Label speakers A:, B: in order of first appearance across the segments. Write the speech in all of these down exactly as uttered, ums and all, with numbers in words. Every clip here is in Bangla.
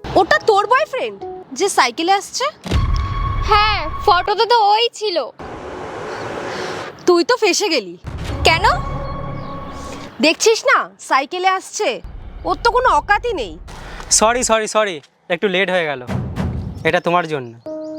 A: ওটা তোর বয়ফ্রেন্ড যে সাইকেলে আসছে?
B: হ্যাঁ, ফটোতে তো ওই ছিল।
A: তুই তো ফেসে গেলি।
B: কেন?
A: দেখছিস না সাইকেলে আসছে, ওর তো কোনো অকাতই নেই।
C: সরি সরি সরি একটু লেট হয়ে গেল, এটা তোমার জন্য।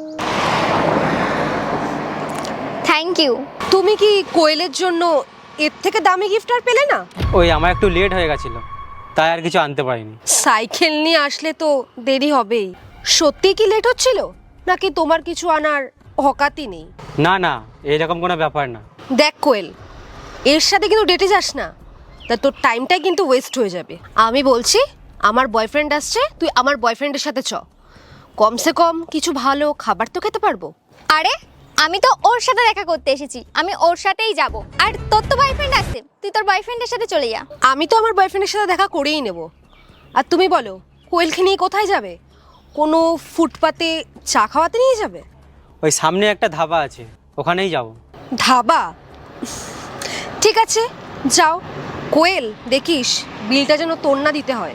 B: Thank you.
A: তুমি কি কোয়েলের জন্য এর থেকে দামি গিফট আর পেলে না?
C: ওই আমার একটু লেট হয়ে গেছিলো, তাই আর কিছু আনতে পারিনি।
A: সাইকেল নিয়ে আসলে তো দেরি হবেই। সত্যি কি লেট হচ্ছিল, নাকি তোমার কিছু আনার অকাতই নেই?
C: না না, এইরকম কোনো ব্যাপার না।
A: দেখ কোয়েল, এর সাথে কিন্তু ডেটে যাস না, তা তোর টাইমটাই কিন্তু ওয়েস্ট হয়ে যাবে। আমি বলছি, আমার বয়ফ্রেন্ড আসছে, তুই আমার বয়ফ্রেন্ডের সাথে চ, কমসে কম কিছু ভালো খাবার তো খেতে পারবো।
B: আরে আমি তো ওর সাথে দেখা করতে এসেছি, আমি ওর সাথেই যাব। আর তোর তো বয়ফ্রেন্ড আছে, তুই তোর বয়ফ্রেন্ডের সাথে চলে যা।
A: আমি তো আমার বয়ফ্রেন্ডের সাথে দেখা করেই নেব। আর তুমি বলো, কোয়েলকে নিয়ে কোথায় যাবে? কোনো ফুটপাতে চা খাওয়াতে নিয়ে যাবে?
C: ওই সামনে একটা ধাবা আছে, ওখানেই যাব।
A: ধাবা? ঠিক আছে, যাও। কোয়েল, দেখিস বিলটা যেন তোর না দিতে হয়।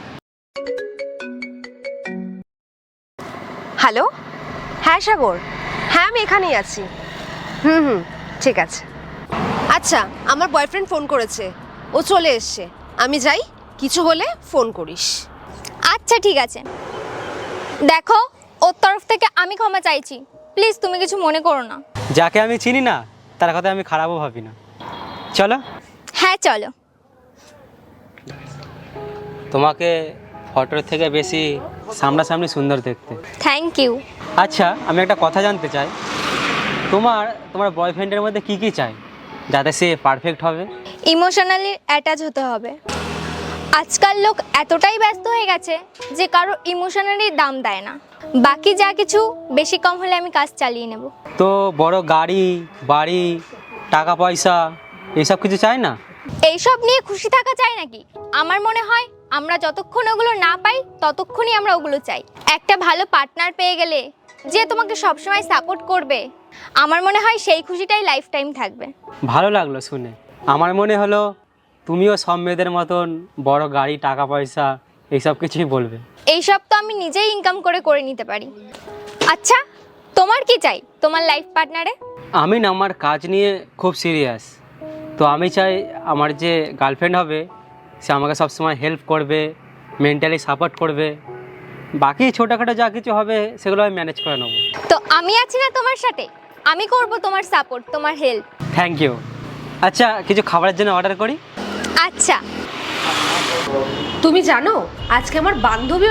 A: হ্যালো, হ্যাঁ সাগর, হ্যাঁ আমি এখানেই আছি। হুম হুম, ঠিক আছে। আচ্ছা, আমার বয়ফ্রেন্ড ফোন করেছে, ও চলে এসছে। আমি যাই, কিছু হলে ফোন করিস।
B: আচ্ছা ঠিক আছে। দেখো, ওর তরফ থেকে আমি ক্ষমা চাইছি, প্লিজ তুমি কিছু মনে করো না।
C: যাকে আমি চিনি না তার কথা আমি খারাপও ভাবি না। চলো।
B: হ্যাঁ চলো।
C: তোমাকে ফটোর থেকে বেশি সামনাসামনি সুন্দর দেখতে।
B: Thank you.
C: আচ্ছা, আমি একটা কথা জানতে চাই, তোমার তোমার বয়ফ্রেন্ডের মধ্যে কি কি চাই যাতে সে পারফেক্ট হবে?
B: ইমোশনালি অ্যাটাচ হতে হবে। আজকাল লোক এতটাই ব্যস্ত হয়ে গেছে যে কারো ইমোশনালি দাম দেয় না। বাকি যা কিছু বেশি কম হলে আমি কাজ চালিয়ে নেব।
C: তো বড় গাড়ি, বাড়ি, টাকা পয়সা এইসব কিছু চাই না?
B: এইসব নিয়ে খুশি থাকা চাই নাকি? আমার মনে হয় আমরা যতক্ষণ ওগুলো না পাই ততক্ষণই আমরা ওগুলো চাই। একটা ভালো পার্টনার পেয়ে গেলে যে তোমাকে সবসময় সাপোর্ট করবে, আমার মনে হয় সেই খুশিটাই লাইফ টাইম থাকবে।
C: ভালো লাগলো শুনে। আমার মনে হলো তুমিও সব মেয়েদের মতন বড় গাড়ি, টাকা পয়সা এইসব কিছুই বলবে।
B: এইসব তো আমি নিজেই ইনকাম করে করে নিতে পারি। আচ্ছা, তোমার কি চাই তোমার লাইফ পার্টনারে?
C: আমি না আমার কাজ নিয়ে খুব সিরিয়াস, তো আমি চাই আমার যে গার্লফ্রেন্ড হবে সে আমাকে সবসময় হেল্প করবে, মেন্টালি সাপোর্ট করবে। বাকি ছোটোখাটো যা কিছু হবে সেগুলো আমি ম্যানেজ করে নেবো।
B: তো আমি আছি না তোমার সাথে, আমি করব তোমার সাপোর্ট, তোমার হেল্প।
C: Thank you. আচ্ছা, কিছু খাবারের জন্য অর্ডার করি?
B: আচ্ছা।
A: তুমি জানো, আজকে আমার বান্ধবী